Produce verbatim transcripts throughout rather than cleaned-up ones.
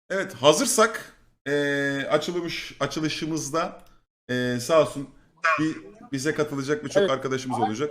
Evet, hazırsak eee açılmış açılışımızda eee sağ olsun bir, bize katılacak birçok Evet. arkadaşımız olacak.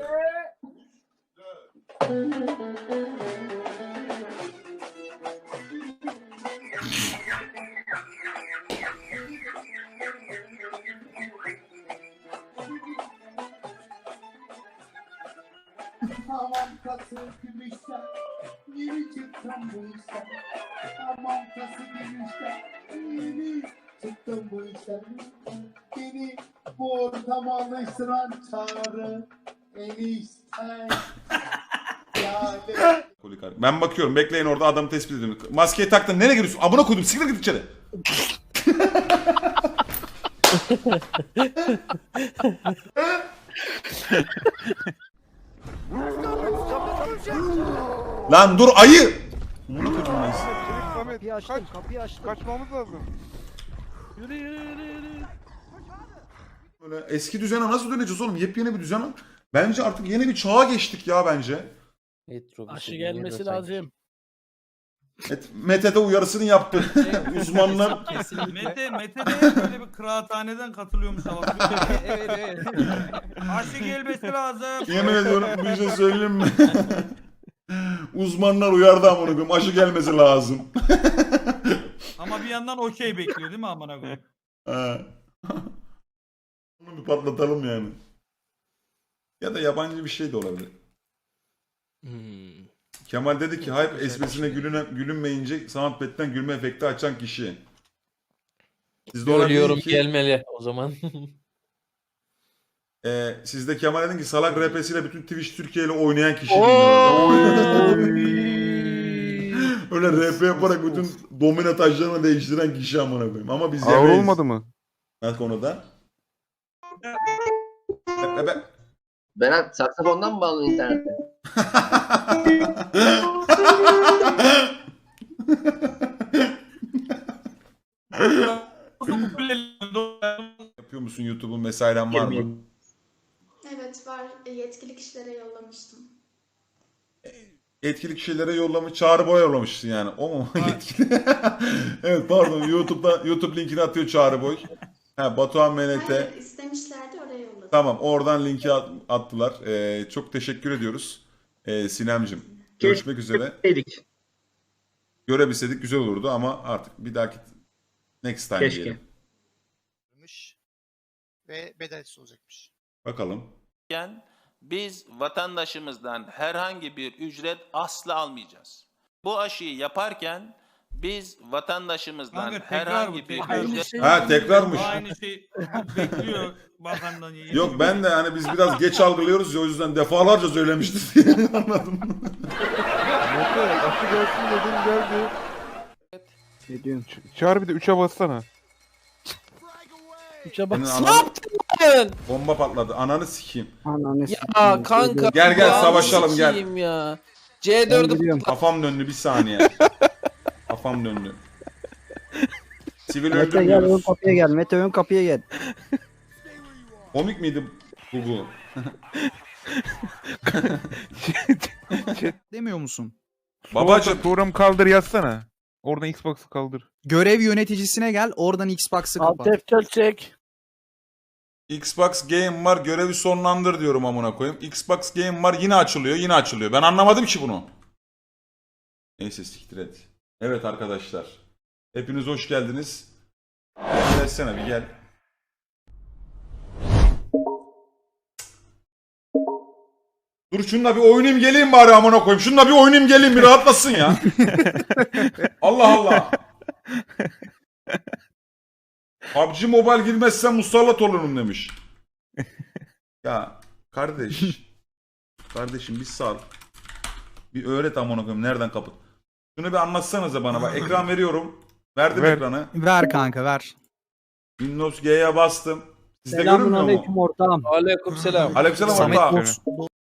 Tamam kası gümüşten, yeni çıktım bu işten. Tamam kası gümüşten, yeni çıktım bu işten. Beni bu ortama alıştıran çağrı enişten. Yani... Polikar- Ben bakıyorum, bekleyin orada, adamı tespit ediyorum. Maskeyi taktın, nereye giriyorsun? Amına koydum, siktir git içeri. Lan dur ayı! Amına koydum ben sizi. Kapıyı açtım, kapıyı açtım. Kaçmamız lazım. Yürü yürü yürü yürü. Böyle eski düzene nasıl döneceğiz oğlum? Yepyeni bir düzen. Bence artık yeni bir çağa geçtik ya bence. Aşı gelmesi lazım. Evet, Mete de uyarısını yaptı. Uzmanlar. Mete, Mete de böyle bir kıraathaneden katılıyormuş ama. Evet evet. Aşı gelmesi lazım. Yemin ediyorum bir şey söyleyeyim mi? Uzmanlar uyardı amına koyayım. Aşı gelmesi lazım. Ama bir yandan okey bekliyor değil mi amına koyayım? Ha. Bunu bir patlatalım yani. Ya da yabancı bir şey de olabilir. Hmm. Kemal dedi ki hype esprisine gülüne, gülünmeyince Soundpad'den gülme efekti açan kişi. Sizde olan Ölüyorum değil ki, gelmeli o zaman. e, sizde Kemal dedin ki salak rapesiyle bütün Twitch Türkiye ile oynayan kişi. Öyle rap yaparak bütün domino taşlarını değiştiren kişi amına koyayım. Ama biz Ağır yemeyiz. olmadı mı? Ne konuda? Be- be- be- Berat saksafondan mı bağlı internette? Yapıyor musun YouTube'un mesairen var mı? Evet var. E, Yetkili kişilere yollamıştım. Yetkili kişilere yollamış, Çağrı Boy yollamışsın yani. O mu? Yetkili. Evet pardon, YouTube'da YouTube linkini atıyor Çağrı Boy. Ha, Batuhan M N T. Hayır istemişlerdi oraya yolladım. Tamam, oradan linki at- attılar. Ee, çok teşekkür ediyoruz. Ee, Sinemcim. Görüşmek üzere. Dedik. Görebilseydik güzel olurdu ama artık bir dahaki next time Keşke. diyelim. Ve bedelsiz olacakmış. Bakalım. Biz vatandaşımızdan herhangi bir ücret asla almayacağız. Bu aşıyı yaparken biz vatandaşımızdan Kanka tekrar herhangi bu bir tekrar. ücret Ha tekrarmış. Aynı şey bekliyor bakandan. Yok ben de hani biz biraz geç algılıyoruz ya, o yüzden defalarca söylemiştik diye anladım. Mete aşı gelsin dedim geldi. Ne diyorsun? Ç- Çağır bir de üçe bassana. Üçe bak. Senin Ne ananı- yaptın? Bomba patladı. Ananı sikeyim. Ananı Ya kanka. Gel, gel, ya, savaşalım, gel. sikeyim Ya. C dördü gidiyorum. Kafam döndü bir saniye. Kafam döndü. Sivil Mete gel ön öldürmüyoruz. kapıya gel. Mete ön kapıya gel. Komik miydi bu bu? Demiyor musun? Babacım. Program kaldır yazsana. Oradan Xbox'ı kaldır. Görev yöneticisine gel, oradan Xbox'ı Alt kapat. F dört çek. Xbox Game var, görevi sonlandır diyorum amına koyayım. Xbox Game var, yine açılıyor, yine açılıyor. Ben anlamadım ki bunu. Neyse siktir et. Evet arkadaşlar. Hepiniz hoş geldiniz. Gelsene bir gel. Dur şununla bir oynayayım geleyim bari amına koyayım. Şununla bir oynayayım geleyim, bir rahatlasın ya. Allah Allah. P U B G Mobile girmezsen musallat olurum demiş. Ya kardeş. Kardeşim bir sal. Bir öğret amına koyayım nereden kapı. Şunu bir anlatsanıza bana bak. Ekran veriyorum. Verdim Ver. ekranı. Ver kanka ver. Windows G'ye bastım. Sizde Selamun görünmüyor mu? aleyküm ortağım. Aleyküm selam. Aleykümselam Samet orta. Boks,